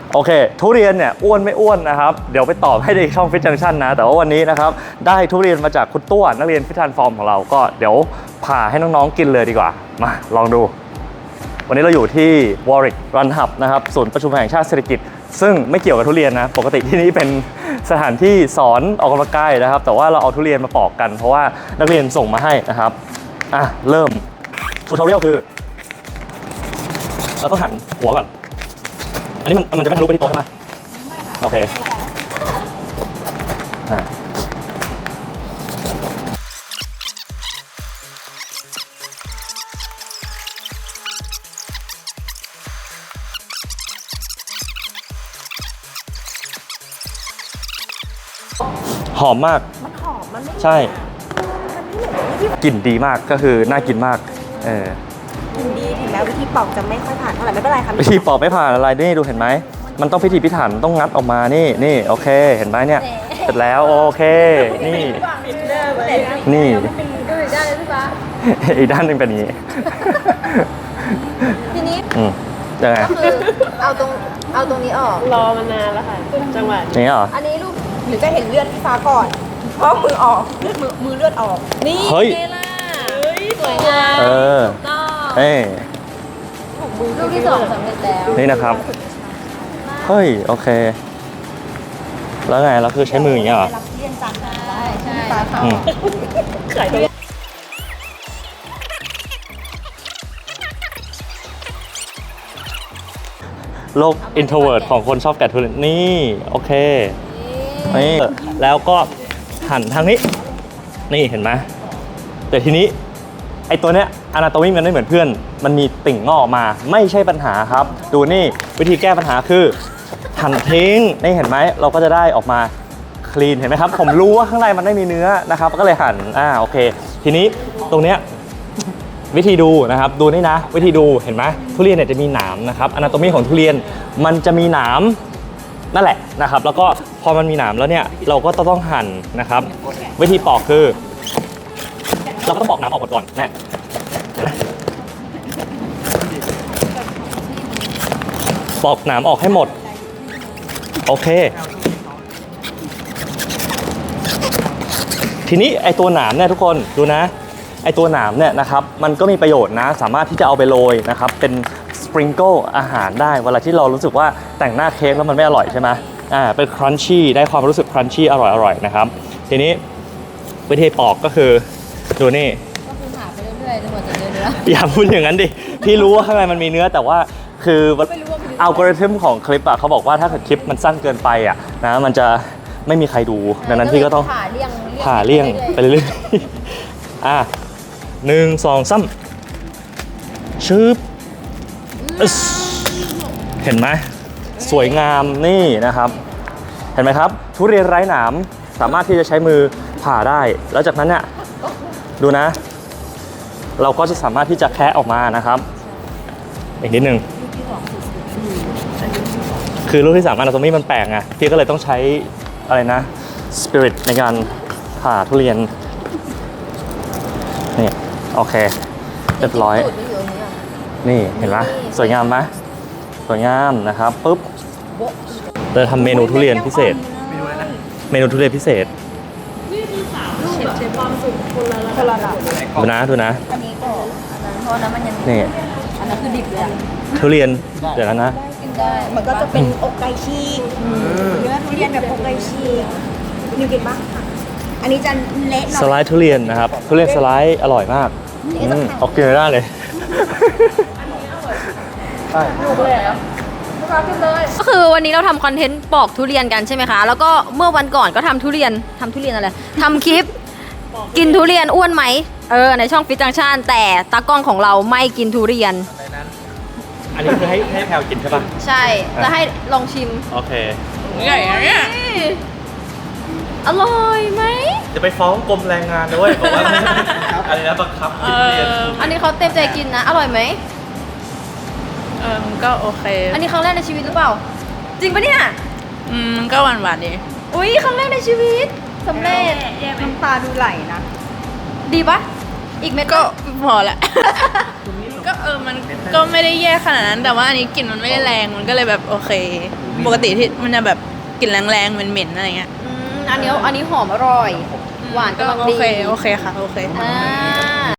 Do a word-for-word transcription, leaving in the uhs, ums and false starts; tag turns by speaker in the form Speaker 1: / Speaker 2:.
Speaker 1: โอเคทุเรียนเนี่ยอ้วนไม่อ้วนนะครับเดี๋ยวไปตอบให้ในช่องฟิตจังชั่นนะแต่ว่าวันนี้นะครับได้ทุเรียนมาจากคุณตัวนักเรียนฟิตทันฟอร์มของเราก็เดี๋ยวผ่าให้น้องๆกินเลยดีกว่ามาลองดูวันนี้เราอยู่ที่ Warwick Run Hub นะครับศูนย์ประชุมแห่งชาติเศรษฐกิจซึ่งไม่เกี่ยวกับทุเรียนนะปกติที่นี่เป็นสถานที่สอนออกกำลังกายนะครับแต่ว่าเราเอาทุเรียนมาปอกกันเพราะว่านักเรียนส่งมาให้นะครับอ่ะเริ่มทูทอเรียลคือเราต้องหั่นหัวก่อนอันนี้มันมันจะไม่ทะลุไปที่โต๊ะใช่ไหมโอเคหอมมาก
Speaker 2: มันหอมมันไม่
Speaker 1: ใช่กลิ่นดีมากก็คือน่ากินมากเออ
Speaker 2: กินดีถึงแม้วิธีปอกจะไม่ค่อยผ่านเท่าไหร่ไม่เป็นไรค่ะ
Speaker 1: วิธีปอกไม่ผ่านอะไรนี่ดูเห็นไหมมันต้องพิถีพิถันต้องงัดออกมานี่นี่โอเคเห็นไหมเนี่ยเสร็จแล้วโอเคนี่นี่อีกด้านหนึ่งเป็นอย่างนี้
Speaker 2: ทีนี้
Speaker 1: อืมยังไง
Speaker 2: ก็คือเอาตรงเอาตรงนี้ออก
Speaker 3: รอมานานแล้วค่ะจังหวะ
Speaker 1: อย่างนี้เหรอ
Speaker 2: อันนี้ลูกหรือจะเห็นเลือดที่ฟ้าก่อนเพราะมือออกเลือดมือมือเลือดออกนี่
Speaker 1: เฮ้ย
Speaker 3: สวยงาม
Speaker 1: เออเฮ้ย
Speaker 2: ลูกที่สองสำเร็จแล้ว
Speaker 1: นี่นะครับเฮ้ยโอเคแล้วไงเราคือใช้มืออย่างเงี้ยเหรอ
Speaker 2: เรียนจังได้ใช่
Speaker 3: ขายตัว
Speaker 1: โลก introvert ของคนชอบแกะทุเรียนนี่โอเคนี่แล้วก็หั่นทางนี้นี่เห็นไหมแต่ทีนี้ไอตัวเนี้ยอนาโตมีมันไม่เหมือนเพื่อนมันมีติ่งงอกมาไม่ใช่ปัญหาครับดูนี่วิธีแก้ปัญหาคือหั่นทิ้งนี่เห็นไหมเราก็จะได้ออกมาคลีนเห็นไหมครับผมรู้ว่าข้างในมันไม่มีเนื้อนะครับก็เลยหั่นอ่าโอเคทีนี้ตรงเนี้ยวิธีดูนะครับดูนี่นะวิธีดูเห็นไหมทุเรียนเนี่ยจะมีหนามนะครับอนาโตมีของทุเรียนมันจะมีหนามนั่นแหละนะครับแล้วก็พอมันมีหนามแล้วเนี่ยเราก็ต้องหั่นนะครับวิธีปอกคือเราก็ต้องปอกหนามออกก่อนนะปอกหนามออกให้หมดโอเคทีนี้ไอตัวหนามเนี่ยทุกคนดูนะไอตัวหนามเนี่ยนะครับมันก็มีประโยชน์นะสามารถที่จะเอาไปโรยนะครับเป็นสปริงเกิลอาหารได้เวลาที่เรารู้สึกว่าแต่งหน้าเค้กแล้วมันไม่อร่อยใช่ไหมอ่าเป็นครันชี่ได้ความรู้สึกครันชี่อร่อยๆนะครับทีนี้วิธีปอกก็คือดูนี่
Speaker 2: ก็คือหาไปเรื่อยๆจนกว่าจะเจอเนื้อ
Speaker 1: อย่าพูดอย่างนั้นดิพี่รู้ว่าข้างในมันมีเนื้อแต่ว่าคืออัลกอริทึมของคลิปอะเขาบอกว่าถ้าเกิดคลิปมันสั้นเกินไปอะนะมันจะไม่มีใครดูดังนั้นพี่ก็ต้อง
Speaker 2: ผ่าเลี่ยง
Speaker 1: ผ่าเลี่ยงไปเรื่อยๆอ่ะหนึ่งสองสามชึบเห็นไหมสวยงามนี่นะครับเห็นไหมครับทุเรียนไร้หนามสามารถที่จะใช้มือผ่าได้แล้วจากนั้นเนี่ยดูนะเราก็จะสามารถที่จะแคะออกมานะครับอีกนิดนึงคือลูกที่สามอนาโตมีมันแปลกไงพี่ก็เลยต้องใช้อะไรนะสปิริตในการผ่าทุเรียนนี่โอเคเรียบร้อยนี่เห็นไหมสวยงามไหมสวยงามนะครับปุ๊บเราทำเมนูทุเรียนพิเศษเมนูทุเรียนพิเศษ
Speaker 3: เชฟความสุขคนละ
Speaker 2: คนละระดับ
Speaker 1: ดูนะดูนะ
Speaker 2: อันนี้ก็อันนั้นเพราะนั้นมันยัง
Speaker 1: นี่
Speaker 2: อันนั้นคือดิบเลยอะ
Speaker 1: ทุเรียนเดี๋ยวนะ
Speaker 2: กินได้มันก็จะเป็นอกไก่ฉีกเนื้อทุเรียนแบบอกไก่ฉีกนิวกินบ้างอันนี้จะเละหน่อย
Speaker 1: สไลด์ทุเรียนนะครับทุเรียนสไลด์อร่อยมากออกกินได้เลยใช่
Speaker 4: ก็คือวันนี้เราทำคอนเทนต์ปอกทุเรียนกันใช่ไหมคะแล้วก็เมื่อวันก่อนก็ทำทุเรียนทำทุเรียนอะไรทำคลิปกินทุเรียนอ้วนไหมเออในช่องฟิตจังชั่นแต่ตากล้องของเราไม่กินทุเรียน
Speaker 1: อันนี้คือให้ให้แพลวกินใช่ปะ
Speaker 4: ใช่จะให้ลองชิม
Speaker 1: โอเค
Speaker 4: ใหญ่เนี่ยอร่อยไหม
Speaker 1: จะไปฟ้องกรมแรงงานด้วยบอกว่าอะไรนะบังคับกินทุเรียน
Speaker 4: อันนี้เขาเต็มใจกินนะอร่อยไหม
Speaker 3: เออก็โอเค
Speaker 4: อันนี้ครั้งแรกในชีวิตหรือเปล่าจริงปะเนี่ย
Speaker 3: อืมก็หวานหวานดี
Speaker 4: อุ้ยครั้งแรกในชีวิตสำเร็จ
Speaker 2: น้ำตาดูไหลนะ
Speaker 4: ดีปะอีกเม็ด
Speaker 3: ก็พอละ
Speaker 4: ก
Speaker 3: ก็เออมันก็ไม่ได้แย่ขนาดนั้น แต่ว่าอันนี้กลิ่นมันไม่ได้แรงมันก็เลยแบบโอเค ปกติที่มันจะแบบกลิ่นแรงๆเหม็นๆอะไรเงี้ย
Speaker 4: อืมอันนี้อันนี้หอมอร่อย หวาน
Speaker 3: ก็
Speaker 4: กำลัง
Speaker 3: โอ
Speaker 4: ดี
Speaker 3: เคโอเคค่ะโอเค
Speaker 4: อ่า